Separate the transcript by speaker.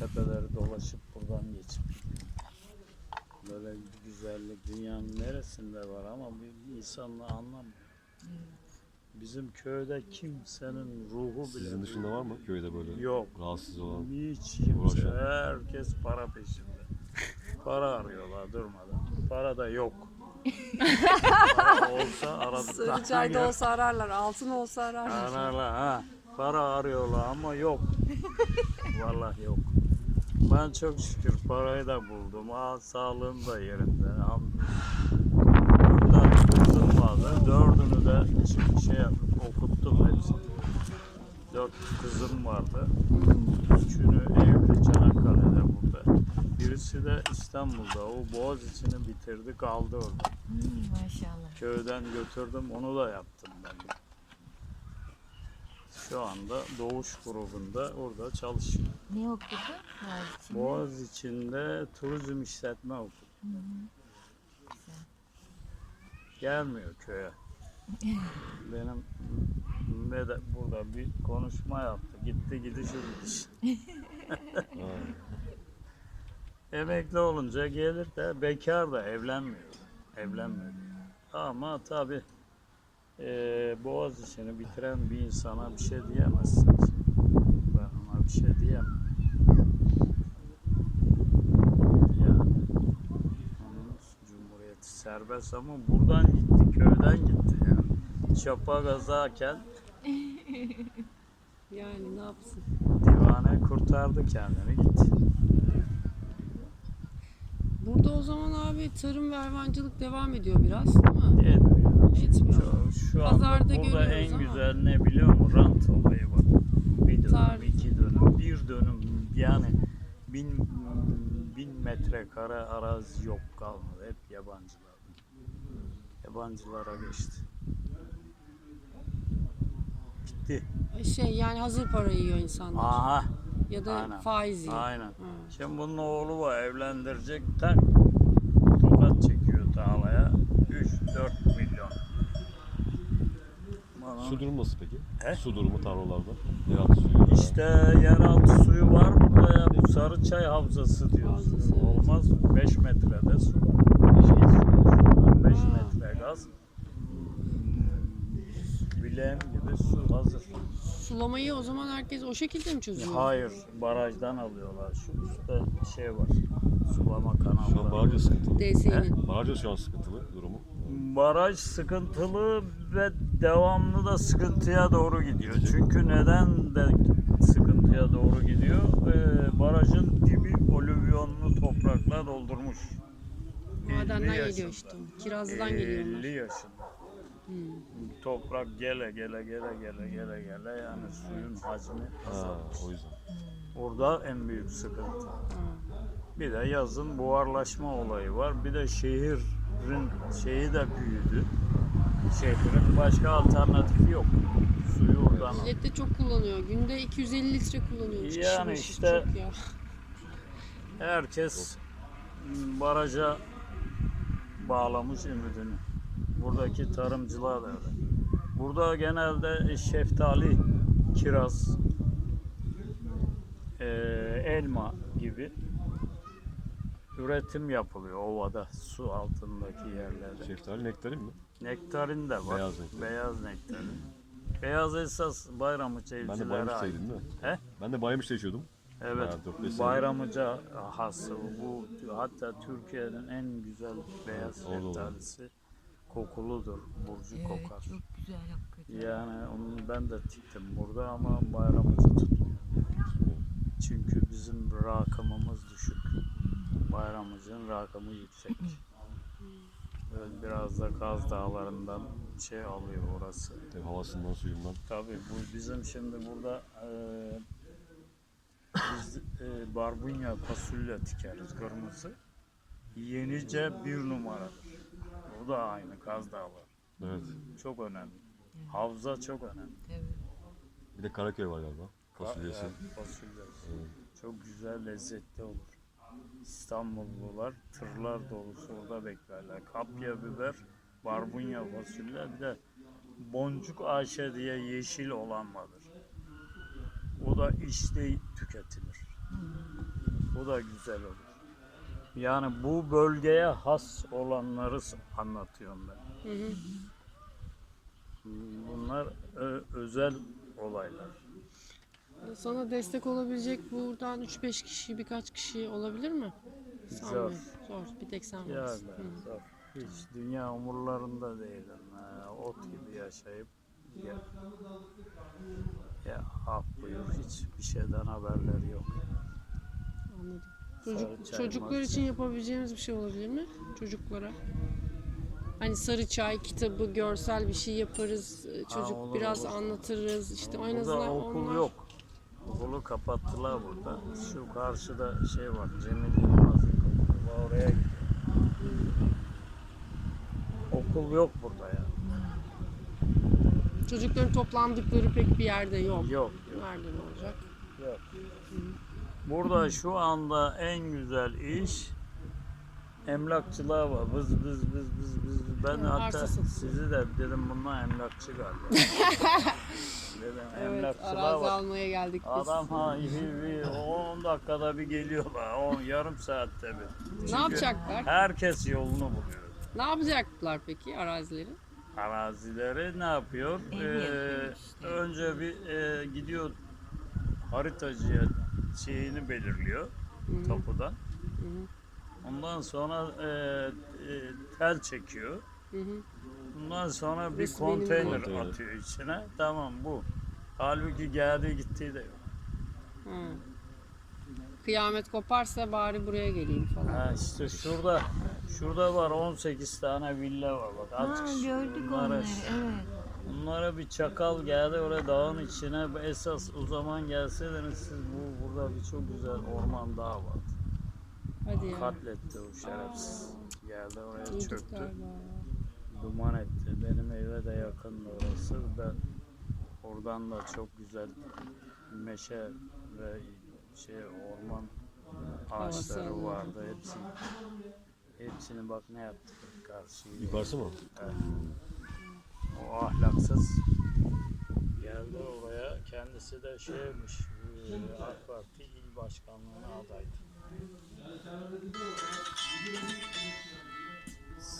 Speaker 1: tepeleri dolaşıp buradan geçip böyle bir güzellik dünyanın neresinde var ama bir insanla anlamıyor. Bizim köyde kimsenin ruhu bile
Speaker 2: Sizin dışında var mı köyde böyle
Speaker 1: yok.
Speaker 2: rahatsız olan?
Speaker 1: Hiç kimse.
Speaker 2: Uğraşan.
Speaker 1: Herkes para peşinde. Para arıyorlar durmadan. Para da yok. Para olsa aradıklarına
Speaker 3: Sarıçay'da olsa ararlar, altın olsa ararlar.
Speaker 1: ararlar ha. Para arıyorlar ama yok. Vallahi yok. Ben çok şükür parayı da buldum. Sağlığım da yerinde. Burada kızım vardı. Dördünü de okuttum hepsini. 4 kızım vardı. Üçünü evli Çanakkale'de burada. Birisi de İstanbul'da. O Boğaziçi'ni bitirdi kaldı orada.
Speaker 4: Maşallah.
Speaker 1: Köyden götürdüm onu da yaptım ben. Şu anda Doğuş grubunda orada çalışıyor.
Speaker 4: Ne okudu?
Speaker 1: Boğaziçi'nde turizm işletme okudu. Gelmiyor köye. Benim burada bir konuşma yaptı. Gitti gidişi gidiş. Emekli olunca gelir de bekar da evlenmiyor. Evlenmiyor. Ama tabii Boğaziçi'ni bitiren bir insana bir şey diyemezsiniz. Ben ona bir şey diyemem. Yani onun Cumhuriyeti serbest ama buradan gitti, köyden gitti yani. Çapa gazarken
Speaker 3: Yani ne yapsın?
Speaker 1: divane kurtardı kendini gitti.
Speaker 3: Burada o zaman abi tarım ve hayvancılık devam ediyor biraz değil mi?
Speaker 1: Etmiyor.
Speaker 3: Etmiyor.
Speaker 1: Şu anda
Speaker 3: Pazarda
Speaker 1: burada
Speaker 3: görüyoruz
Speaker 1: en
Speaker 3: ama.
Speaker 1: güzel ne biliyor musun? Rant olayı var. Bir dönüm,
Speaker 3: Tarih.
Speaker 1: 2 dönüm, 1 dönüm yani bin metrekare arazi yok kalmadı. Hep yabancılar. Yabancılara geçti. Bitti.
Speaker 3: Yani hazır para yiyor insanlar.
Speaker 1: Aha.
Speaker 3: Ya da
Speaker 1: Aynen.
Speaker 3: faiz yiyor.
Speaker 1: Aynen.
Speaker 3: Hı.
Speaker 1: Şimdi bunun oğlu var evlendirecek tak tokat çekiyor tarlaya 3-4 milyon. Bana-
Speaker 2: Su durumu nasıl peki?
Speaker 1: He?
Speaker 2: Su durumu tarlalarda. Yeraltı suyu.
Speaker 1: İşte yeraltı suyu var burada ya. Bu Sarıçay Havzası diyoruz.
Speaker 3: Havzası, evet.
Speaker 1: Olmaz mı? 5 metrede su var. 5 metre gaz. Bileğim gibi su hazır.
Speaker 3: Sulamayı o zaman herkes o şekilde mi çözüyor?
Speaker 1: Hayır, barajdan alıyorlar. Şu üstte şey var. Sulama
Speaker 2: Şu an
Speaker 1: kanalları.
Speaker 2: baraj da sıkıntılı.
Speaker 3: DSİ'nin.
Speaker 2: Baraj da şu an sıkıntılı durumu.
Speaker 1: Baraj sıkıntılı ve devamlı da sıkıntıya doğru gidiyor. Çünkü neden de sıkıntıya doğru gidiyor? Barajın dibi olüvyonlu toprakla doldurmuş. 50
Speaker 3: Madenden
Speaker 1: yaşında.
Speaker 3: geliyor işte. Kirazlı'dan geliyor
Speaker 1: 50
Speaker 3: onlar.
Speaker 1: yaşında. Toprak gele yani suyun hacmi
Speaker 2: Ha,
Speaker 1: azalmış.
Speaker 2: o yüzden.
Speaker 1: Orada en büyük sıkıntı. Bir de yazın buharlaşma olayı var. Bir de şehrin şeyi de büyüdü. Şehrin başka alternatifi yok. Suyu oradan al.
Speaker 3: Millet de çok kullanıyor. Günde 250 litre kullanıyor. Üç kişi
Speaker 1: Yani
Speaker 3: başı.
Speaker 1: işte-
Speaker 3: Çok ya.
Speaker 1: Herkes baraja bağlamış ümidini. Buradaki tarımcılar da öyle. Burada genelde şeftali, kiraz, elma gibi üretim yapılıyor ovada, su altındaki yerlerde.
Speaker 2: Şeftali nektarin mi?
Speaker 1: Nektarin de var.
Speaker 2: Beyaz nektarin.
Speaker 1: Beyaz nektarin. Beyaz esas Bayramıça
Speaker 2: Ben de
Speaker 1: evcilere
Speaker 2: Bayramış'ta
Speaker 1: ait.
Speaker 2: yedim değil mi?
Speaker 1: He?
Speaker 2: Ben de Bayramış'ta yaşıyordum.
Speaker 1: Evet.
Speaker 2: Bayağı 4-5 sene.
Speaker 1: Bayramıca hası bu. Hatta Türkiye'nin en güzel beyaz
Speaker 2: orada olur.
Speaker 1: şeftalisi. Kokuludur. Burcu kokar.
Speaker 4: Çok güzel hakikaten.
Speaker 1: Yani onu ben de tiktim burada ama Bayramıca tutmuyor. Çünkü bizim rakımımız düşük. Bayramıca'nın rakımı yüksek. Böyle biraz da Kaz Dağları'ndan şey alıyor orası.
Speaker 2: Tabii havasından, suyundan.
Speaker 1: Tabii bu bizim şimdi burada biz barbunya fasulye dikeriz kırmızı. Yenice 1 numaradır. O da aynı Kaz Dağları.
Speaker 2: Evet.
Speaker 1: Çok önemli. Havza çok önemli.
Speaker 4: Evet.
Speaker 2: Bir de Karaköy var galiba. Fasulyesi.
Speaker 1: Evet, fasulyesi. Çok güzel, lezzetli olur. İstanbullular tırlar dolusu orada beklerler. Kapya biber, barbunya fasulye, bir de boncuk Ayşe diye yeşil olan vardır. O da işte tüketilir. Bu da güzel olur. Yani bu bölgeye has olanları anlatıyorum ben.
Speaker 3: Hı hı.
Speaker 1: Bunlar özel olaylar.
Speaker 3: Sana destek olabilecek buradan 3-5 kişi, birkaç kişi olabilir mi? Sanmıyorum. Zor. Bir tek sen
Speaker 1: Ya
Speaker 3: varsın.
Speaker 1: ben zor. Hiç dünya umurlarında değilim. Ot gibi yaşayıp ya, ya ah buyur hiçbir şeyden haberleri yok.
Speaker 3: Anladım.
Speaker 1: Sarı çay,
Speaker 3: Çocuklar
Speaker 1: marı
Speaker 3: için
Speaker 1: çay.
Speaker 3: yapabileceğimiz bir şey olabilir mi? Çocuklara. Hani sarı çay kitabı, görsel bir şey yaparız. Çocuk
Speaker 1: olur,
Speaker 3: biraz
Speaker 1: olur.
Speaker 3: anlatırız. İşte en
Speaker 1: Burada
Speaker 3: azından
Speaker 1: okul
Speaker 3: onlar...
Speaker 1: yok. Okulu kapattılar burada. Şu karşıda şey var. Cemil Yılmaz'ın okulu var. Oraya gidiyor. Okul yok burada ya.
Speaker 3: Çocukların toplandıkları pek bir yerde yok.
Speaker 1: Yok.
Speaker 3: Nerede ne olacak?
Speaker 1: Yok. Burada şu anda en güzel iş emlakçılığa var. Vız vız vız vız vız. Ben
Speaker 3: Hı,
Speaker 1: hatta
Speaker 3: arsa satıyor.
Speaker 1: sizi de dedim bunlar emlakçı galiba. Dedim
Speaker 3: Evet,
Speaker 1: emlakçılığa
Speaker 3: arazi
Speaker 1: bak.
Speaker 3: almaya geldik biz.
Speaker 1: Adam 10 dakikada bir geliyorlar. Yarım saatte bir.
Speaker 3: Ne
Speaker 1: Çünkü
Speaker 3: yapacaklar?
Speaker 1: herkes yolunu buluyor.
Speaker 3: Ne yapacaklar peki arazileri?
Speaker 1: Arazileri ne yapıyor?
Speaker 4: Ev yapıyor işte.
Speaker 1: Önce bir gidiyor haritacıya şeyini belirliyor tapudan. Ondan sonra tel çekiyor.
Speaker 3: Hı hı.
Speaker 1: Ondan sonra bir
Speaker 3: Burası benim
Speaker 1: konteyner
Speaker 2: Konteyner.
Speaker 1: atıyor içine. Tamam bu. Halbuki geldiği gittiği de yok.
Speaker 3: Hı. Kıyamet koparsa bari buraya geleyim falan.
Speaker 1: Ha işte şurada var 18 tane villa var bak.
Speaker 4: Ha,
Speaker 1: Azıcık
Speaker 4: gördük
Speaker 1: bunlara-
Speaker 4: onları. Evet.
Speaker 1: Bunlara bir çakal geldi oraya dağın içine. Esas o zaman gelseydiniz siz burada bir çok güzel orman dağı var.
Speaker 3: Hadi ya.
Speaker 1: Katletti o şerefsiz. Geldi oraya
Speaker 3: Duyduk
Speaker 1: çöktü.
Speaker 3: galiba.
Speaker 1: Duman etti. Benim eve de yakındı orası. Ben oradan da çok güzel meşe ve orman ağaçları
Speaker 3: Havası
Speaker 1: vardı. Hepsini bak ne yaptık karşıya.
Speaker 2: Yukarısı mı?
Speaker 1: Evet. O ahlaksız geldi oraya. Kendisi de şeymiş, AK Parti il başkanlığına adaydı.